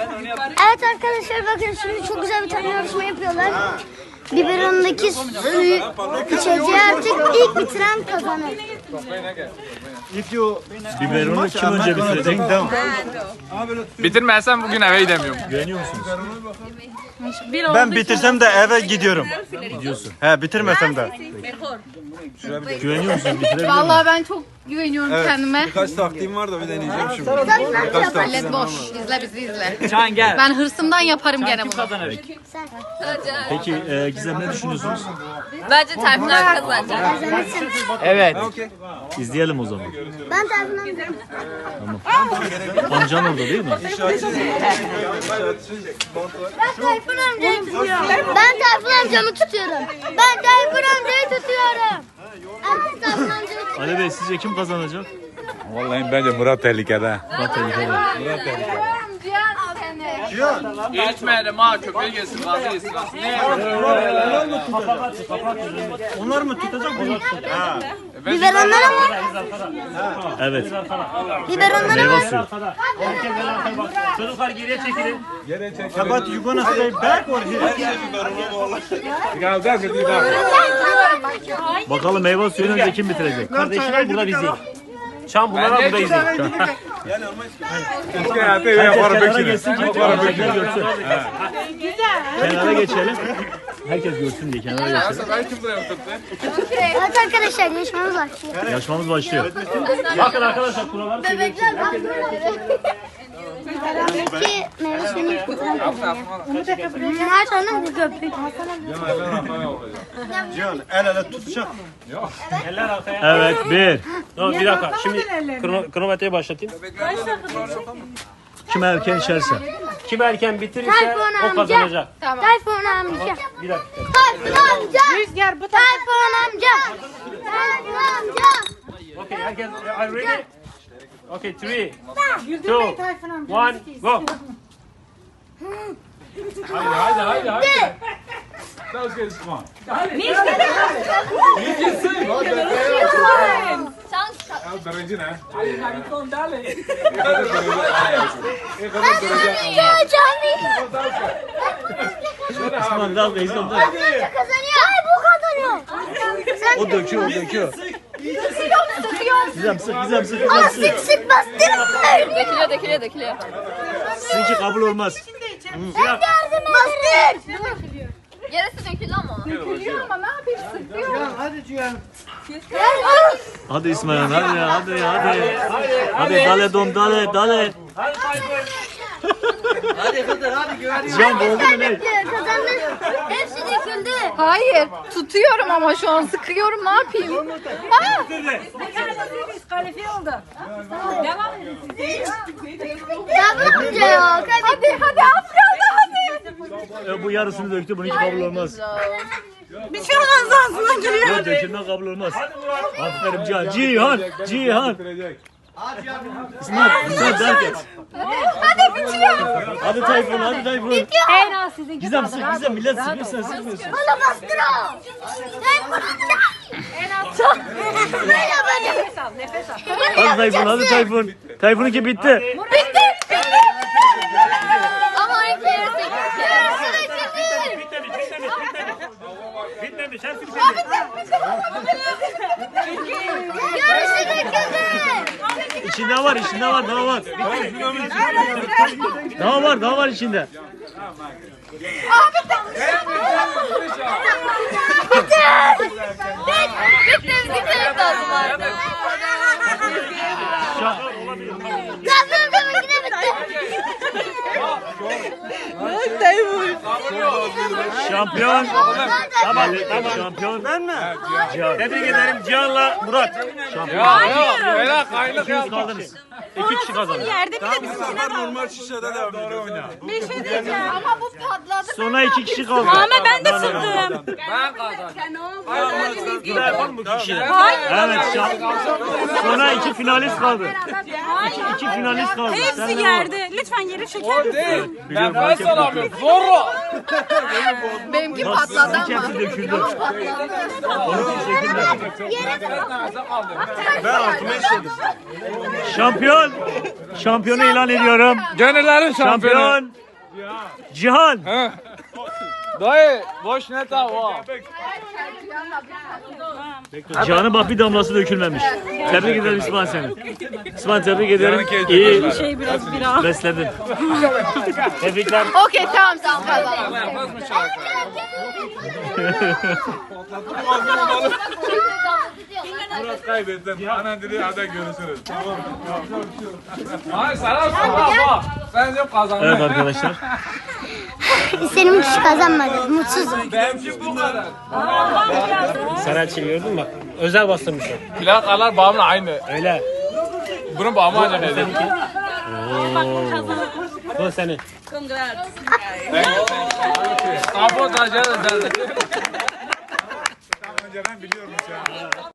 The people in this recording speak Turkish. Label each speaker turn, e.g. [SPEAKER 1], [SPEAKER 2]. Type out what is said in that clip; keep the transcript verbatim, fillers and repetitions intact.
[SPEAKER 1] Evet arkadaşlar bakın şimdi çok güzel bir tane yarışma yapıyorlar. Biberonundaki suyu içeceği artık ilk bitiren kazanır.
[SPEAKER 2] Biberonu kim önce bitirecek?
[SPEAKER 3] Bitirmezsem bugün eve gidemiyorum.
[SPEAKER 2] Güveniyor musunuz?
[SPEAKER 4] Ben bitirsem de eve gidiyorum.
[SPEAKER 2] Gidiyorsun.
[SPEAKER 4] He bitirmesem de.
[SPEAKER 2] Güveniyor musunuz? Bitirebilir miyim?
[SPEAKER 5] Vallahi ben çok güveniyorum kendime.
[SPEAKER 6] Birkaç taktiğim var da bir deneyeceğim şimdi.
[SPEAKER 5] Millet boş. İzle bizi izle.
[SPEAKER 3] Can gel.
[SPEAKER 5] Ben hırsımdan yaparım gene bunu.
[SPEAKER 2] Peki e, Gizem ne düşünüyorsunuz?
[SPEAKER 7] Bence Tayfunlar kazanacak.
[SPEAKER 3] Evet.
[SPEAKER 2] İzleyelim o zaman.
[SPEAKER 1] Ben Tayfun'um.
[SPEAKER 2] Amcan orada değil mi?
[SPEAKER 1] Ben Tayfun amcayı tutuyorum. Ben Tayfun amcamı tutuyorum. Ben Tayfun amcayı tutuyorum. Evet Tayfun amcayı tutuyorum.
[SPEAKER 2] Ali Bey sizce kim kazanacak?
[SPEAKER 6] Vallahi bence Murat tehlikede.
[SPEAKER 2] Murat tehlikede.
[SPEAKER 3] İçmeyelim ha, köpeği gelsin, gazı yesin. Ne?
[SPEAKER 4] Onlar mı tutacak bunu?
[SPEAKER 1] Biberonlara mı?
[SPEAKER 2] Evet.
[SPEAKER 1] Biberonlara
[SPEAKER 2] Meyve
[SPEAKER 1] mı?
[SPEAKER 2] suyu.
[SPEAKER 8] Çocuklar geriye çekilin.
[SPEAKER 4] But you gonna stay back or here?
[SPEAKER 2] Bakalım meyve suyunu önce kim bitirecek?
[SPEAKER 8] Kardeşler burada bizi. Şam bunlar burada bizi.
[SPEAKER 2] Kenara geçsin ki kenara görsün. Kenara geçelim. Herkes görsün diye kenara geçelim.
[SPEAKER 3] Ben kim buraya oturdu?
[SPEAKER 1] Evet arkadaşlar yarışmamız var.
[SPEAKER 2] Yarışmamız başlıyor.
[SPEAKER 8] Bakın arkadaşlar kurallar.
[SPEAKER 1] Bebekler bak böyle. Biberonundaki meyve suyunu ilk bitiren kazanıyor. Her tane bu köpek.
[SPEAKER 4] Cihan el ele tutacak.
[SPEAKER 8] Eller arkaya.
[SPEAKER 2] Evet bir.
[SPEAKER 8] Tamam bir dakika. Şimdi krono, kronometreyi başlatayım.
[SPEAKER 2] Kim erken içerse.
[SPEAKER 8] Kim erken bitirirse
[SPEAKER 1] Tayfun
[SPEAKER 8] o
[SPEAKER 1] amca.
[SPEAKER 8] kazanacak.
[SPEAKER 1] Tayfun amca.
[SPEAKER 8] Bir dakika.
[SPEAKER 1] Tayfun amca. Rüzgar bu Tayfun amca. Tayfun amca.
[SPEAKER 8] Okay, herkes are you ready? Okay, three, two, one, go.
[SPEAKER 3] Haydi haydi haydi haydi. Let's get this one. Birinci ne?
[SPEAKER 2] Osman dalga İslam dalga.
[SPEAKER 1] Kazanıyor. Ay bu kazanıyor.
[SPEAKER 2] O döküyor o döküyor. Gizem sık Gizem sık
[SPEAKER 1] Aa,
[SPEAKER 2] Gizem
[SPEAKER 1] sık
[SPEAKER 2] sık.
[SPEAKER 1] sık bastırın.
[SPEAKER 7] Dökülüyor, dökülüyor, dökülüyor.
[SPEAKER 2] Sizinki kabul olmaz.
[SPEAKER 1] Ben yardım ederim.
[SPEAKER 7] Yarısı döküldü ama.
[SPEAKER 2] Hadi İsmail hadi ya hadi ya hadi. Hadi dale dom dale dale. Cihan oldu mu ne?
[SPEAKER 1] Kazandı. Hepsi döküldü.
[SPEAKER 5] Hayır. Tutuyorum ama şu an sıkıyorum. Ne yapayım? Aa!
[SPEAKER 1] Tayfun amca ya.
[SPEAKER 5] Hadi hadi Afyon'da hadi.
[SPEAKER 2] E, bu yarısını döktü bununki kabul olmaz.
[SPEAKER 5] Bir şey olmaz ağzından geliyor.
[SPEAKER 2] Yok dökümden kabul olmaz. Aferin Cihan. Cihan. Cihan. İsmail İsmail derken.
[SPEAKER 5] Hadi bitiyor.
[SPEAKER 2] Hadi Tayfun hadi Tayfun.
[SPEAKER 5] En az sizin
[SPEAKER 2] Gizem sık Gizem millet sıkıyorsun sıkmıyorsun.
[SPEAKER 1] Bana bastır o. Tayfun amca. En az çok. Böyle yapacağım.
[SPEAKER 2] Hadi Tayfun hadi Tayfun. Tayfun'unki bitti.
[SPEAKER 1] Bitti.
[SPEAKER 7] Ama ilk yarısı
[SPEAKER 1] Yarısı döküldü.
[SPEAKER 8] Bitmemiş, bitmemiş, bitmemiş. Bitmemiş, hepsi bitmemiş.
[SPEAKER 1] Yarısı döküldü.
[SPEAKER 2] İçinde var içinde var daha var. Daha var daha var içinde.
[SPEAKER 7] bitti, bitti lazım vardı.
[SPEAKER 1] Tayfun amcamın yine bitti.
[SPEAKER 2] Şampiyon. Tamam tamam şampiyon.
[SPEAKER 4] Ben mi?
[SPEAKER 8] Tebrik ederim Cihan'la Murat.
[SPEAKER 3] Ya yok, böyle kaynak
[SPEAKER 2] İkiniz
[SPEAKER 3] yapma.
[SPEAKER 2] kaldınız. İki kişi kazandı.
[SPEAKER 6] Normal şişede devam ediyor.
[SPEAKER 5] Bir şey diyeceğim ama bu patladı.
[SPEAKER 2] Sonra iki kişi kaldı.
[SPEAKER 5] Ama ben de sıktım.
[SPEAKER 3] Ben kazandım.
[SPEAKER 2] Bir daha yapalım mı iki kişi? Evet şampiyon. Sonra iki finalist kaldı. İki iki finalist kaldı.
[SPEAKER 9] Hepsi
[SPEAKER 2] Sen de
[SPEAKER 9] yerde. Lütfen yere çeker misin?
[SPEAKER 2] Biliyorum,
[SPEAKER 3] Nefes alamıyorum. Zorla.
[SPEAKER 5] Benimki patladı
[SPEAKER 2] Sizin
[SPEAKER 5] ama.
[SPEAKER 2] hepsi döküldü. Onun için çekilmedi.
[SPEAKER 4] Ben altıma işledim.
[SPEAKER 2] Şampiyon. Şampiyonu ilan ediyorum.
[SPEAKER 3] Gönüllerin şampiyonu.
[SPEAKER 2] Şampiyon. Cihan.
[SPEAKER 3] Dayı boş ne tava.
[SPEAKER 2] Cihan'ın bak bir damlası dökülmemiş. Tebrik ederim İsmail seni. İsmail tebrik ederim. İyi
[SPEAKER 9] Şey biraz bira.
[SPEAKER 2] besledin. Tebrikler.
[SPEAKER 5] Okey tamam sen kazandın.
[SPEAKER 6] Murat kaybettim. Anan dedi hadi görüşürüz.
[SPEAKER 3] Hayır sana baba. Ben de kazandım.
[SPEAKER 2] Evet arkadaşlar.
[SPEAKER 1] İstediğim kişi kazanmadı. Mutsuzum.
[SPEAKER 3] Benimki bu kadar.
[SPEAKER 8] Serhatçı gördün mü bak. Özel bastırmış o.
[SPEAKER 3] Plakalar bağımla aynı.
[SPEAKER 2] Öyle.
[SPEAKER 3] Bunun bağımı acaba ne?
[SPEAKER 8] Bu senin.
[SPEAKER 3] Kapo taşları da.
[SPEAKER 6] Önceden biliyormuş ya.